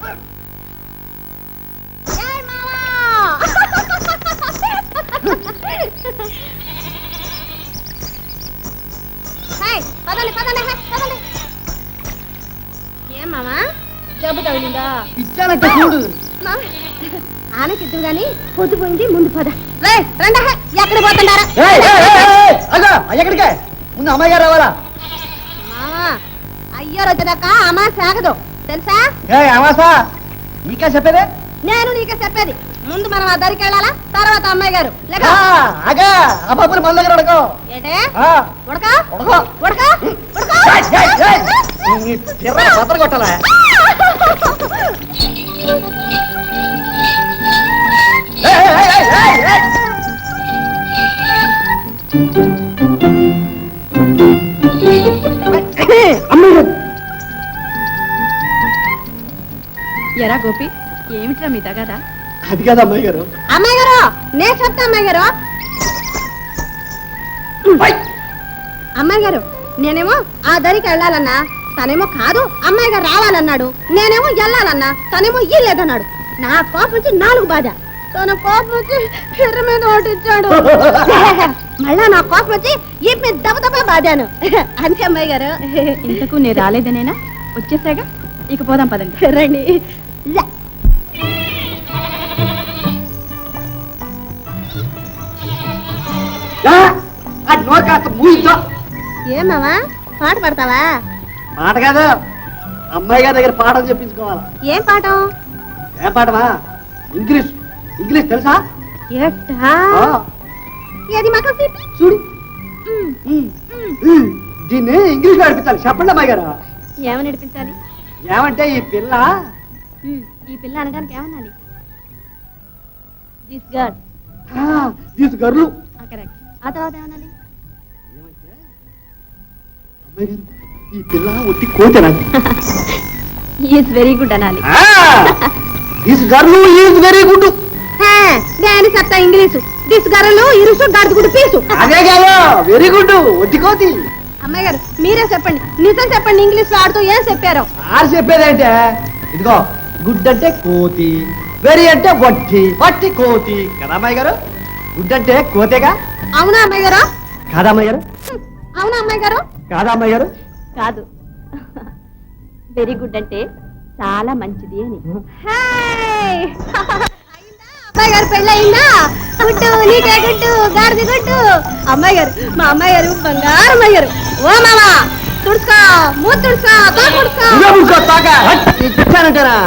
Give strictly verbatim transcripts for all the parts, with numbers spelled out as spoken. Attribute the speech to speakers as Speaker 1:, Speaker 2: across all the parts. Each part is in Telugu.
Speaker 1: ఏం మామా జబ్బు తగిలిందా?
Speaker 2: ఇచ్చానంటే చూడు.
Speaker 1: ఆనకిద్దు గాని పొద్దుపోయింది, ముందు పద. రండి, ఎక్కడ పోతున్నారా?
Speaker 2: ఎక్కడికే? ముందు అమ్మాయి గారు రావాలా?
Speaker 1: మామా అయ్యారు వచ్చేదాకా అమ్మా సాగదు తెలుసా?
Speaker 2: అమాసా నీకే చెప్పేదే?
Speaker 1: నేను నీకే చెప్పేది. ముందు మనం ఆ దరికి వెళ్ళాలా, తర్వాత అమ్మాయి గారు.
Speaker 2: అగా ఆ బాబుని మన దగ్గర ఉడకో.
Speaker 1: ఏంటే ఉడక
Speaker 2: ఉడకో
Speaker 1: ఉడక
Speaker 2: ఉడక కొట్టాలా?
Speaker 1: ఎరా గోపి, ఏమిట్రా మీ తగదా?
Speaker 2: అది కాదు అమ్మాయి గారు.
Speaker 1: అమ్మాయి గారు నేను చెప్తా. అమ్మాయి గారు అమ్మాయి గారు నేనేమో ఆ దరికి వెళ్ళాలన్నా, తనేమో కాదు అమ్మాయి గారు రావాలన్నాడు. నేనేమో వెళ్ళాలన్నా, తనేమో ఈ లేదన్నాడు. నా కోపం వచ్చి నాలుగు బాధ, తన కోపం వచ్చి ఎర్ర మీద ఓటిచ్చాడు. మళ్ళా నా కోపం వచ్చి ఈ మీద దెబ్బ దెబ్బ బాధాను. అంతే అమ్మాయి గారు.
Speaker 3: ఇంతకు నేను రాలేదనేనా? వచ్చేసాగా, ఇక పోదాం పదండి.
Speaker 1: రండి. ఏమావా పాట పడతావా?
Speaker 2: పాట కాదు, అమ్మాయి గారి దగ్గర పాఠం చెప్పించుకోవాలా.
Speaker 1: ఏం పాఠం?
Speaker 2: ఏం పాఠమా? ఇంగ్లీష్. ఇంగ్లీష్ తెలుసా?
Speaker 1: ఏది మాకు
Speaker 2: చూడు. దీన్ని ఇంగ్లీష్ లో నడిపించాలి. చెప్పండి అమ్మాయి గారు.
Speaker 1: ఏమని నడిపించాలి?
Speaker 2: ఏమంటే ఈ పిల్ల
Speaker 1: ఈ పిల్ల అనడానికి ఏమనాలి? This girl.
Speaker 2: This girl.
Speaker 1: Correct. ఆ తర్వాత ఏమనాలి?
Speaker 2: అమ్మాయి గారు ఈ పిల్ల ఒట్టి కోతనా?
Speaker 3: ఈస్ వెరీ గుడ్ అనాలి.
Speaker 2: This girl is very good.
Speaker 1: నేను చెప్తా ఇంగ్లీషు. దిస్ గర్ల్ ఇరుసు గడుగుడు పీసు.
Speaker 2: అదే కాదు, వెరీ గుడ్ ఒట్టి కోతి.
Speaker 1: అమ్మాయి గారు మీరే చెప్పండి, నిజం చెప్పండి. ఇంగ్లీష్ లో ఆడుతూ ఏం చెప్పారు?
Speaker 2: ఆరు చెప్పేదంటే ఇదిగో, గుడ్ అంటే కోతి, వెరీ అంటే వట్టి, వట్టి కోతి కదా అమ్మాయి గారు? గుడ్ అంటే కోతేగా.
Speaker 1: అవునా అమ్మాయి గారు?
Speaker 2: కాదా అమ్మాయి గారు?
Speaker 1: అవునా అమ్మాయి గారు?
Speaker 2: కాదా అమ్మాయి గారు?
Speaker 3: కాదు, వెరీ గుడ్ అంటే చాలా మంచిది అని.
Speaker 1: అమ్మాయి గారు పెళ్ళి అయిందా? గుడ్డు నీకే గుడ్డు, గాడిది గుడ్డు. అమ్మాయి గారు, మా అమ్మాయి గారు బంగారు అమ్మాయి గారు. ఓ మామా తుడుచుకో, మూత తుడుచుకో,
Speaker 2: తుడుచుకోనంటారా?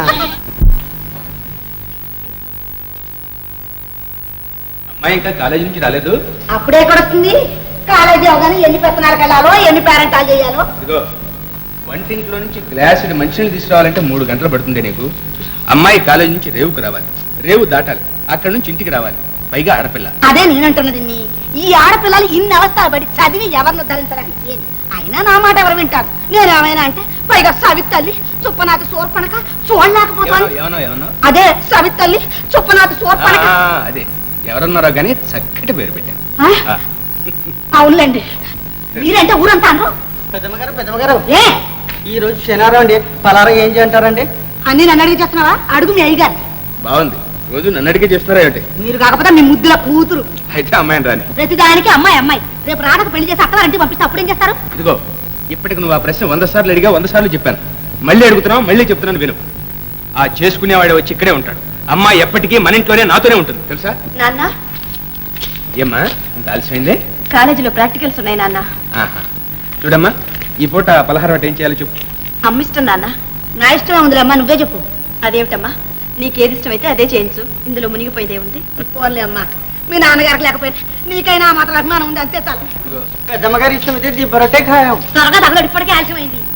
Speaker 4: అమ్మాయి ఇంకా కాలేజీ నుంచి రాలేదు.
Speaker 1: అప్పుడే కూడా వస్తుంది. కాలేజీ అవగానే ఎన్ని పెత్తనాలకు వెళ్ళాలో, ఎన్ని పేరెంటాలు చేయాలో.
Speaker 4: ఇదిగో వంటింట్లో నుంచి గ్లాసుడు మంచినీళ్ళు తీసుకురావాలంటే మూడు గంటలు పడుతుంది నీకు. అమ్మాయి కాలేజీ నుంచి రేవుకు రావాలి, రేవు దాటాలి, అక్కడ నుంచి ఇంటికి రావాలి, పైగా ఆడపిల్ల.
Speaker 1: అదే నేనంటున్నది. ఈ ఆడపిల్లలు ఇన్ని అవస్థలు పడి చదివి ఎవరిని ధరించడానికి? అయినా నా మాట ఎవరు వింటారు? నేనేమైనా అంటే పైగా సవితల్లి చుప్పనాథి సోర్పణక చూడలేకపోతాను.
Speaker 4: ఏమన్నా ఏమన్నా
Speaker 1: అదే సవితల్లి చుప్పనాథి సోర్పణక.
Speaker 4: అదే ఎవరన్నారో గానీ చక్కటి పేరు పెట్టాను.
Speaker 1: అవునులేండి, మీరంటే ఊరంతాను.
Speaker 2: పెద్దమ్మగారు పెద్దమ్మగారు
Speaker 1: ఏ
Speaker 2: ఈ రోజు శనివారం అండి, పలారం ఏం చేయంటారండి?
Speaker 1: అన్ని నన్ను అడిగి చేస్తున్నావా? అడుగు మీ అయ్యగారు.
Speaker 4: బాగుంది, రోజు నన్ను అడిగే చేస్తున్నారా ఏమిటి?
Speaker 1: మీరు కాకపోతే మీ ముద్దుల కూతురు.
Speaker 4: అయితే అమ్మాయిని రాని.
Speaker 1: ప్రతి దానికి అమ్మాయి అమ్మాయి. రేపు రాడకు పెళ్లి చేసి అక్కవారింటికి పంపిస్తే అప్పుడేం చేస్తారు?
Speaker 4: ఇదిగో ఇప్పటికి నువ్వు ఆ ప్రశ్న వంద సార్లు అడిగా, వంద సార్లు చెప్పాను. మళ్ళీ అడుగుతున్నావు, మళ్ళీ చెప్తున్నాను విను. ఆ చేసుకునేవాడు వచ్చి ఇక్కడే ఉంటాడు. అమ్మాయి ఎప్పటికీ మన ఇంట్లోనే నాతోనే ఉంటుంది, తెలుసా?
Speaker 3: నాన్న
Speaker 4: ఏమ్మా ఇంత ఆలస్యమైందే?
Speaker 3: కాలేజీలో ప్రాక్టికల్స్ ఉన్నాయి నాన్న.
Speaker 4: ఆహా చూడమ్మా, ఈ పూట పలహారం అంటే ఏం చేయాలో చెప్పు.
Speaker 3: అమ్మిష్టం నాన్న.
Speaker 1: నా ఇష్టమే ఉందిలే అమ్మా, నువ్వే చెప్పు.
Speaker 3: అదేమిటమ్మా, నీకేది ఇష్టమైతే అదే చేయించు. ఇందులో మునిగిపోయేదే ఉంది.
Speaker 1: పోన్లే అమ్మా, మీ నాన్నగారికి లేకపోయినా నీకైనా మాత్రం అభిమానం ఉంది, అంతే చాలు.
Speaker 2: పెద్దమ్మగారి ఇష్టమైతే దిబ్బరొట్టే ఖాయం.
Speaker 1: త్వరగా తగలడు, ఇప్పటికే ఆలస్యమైంది.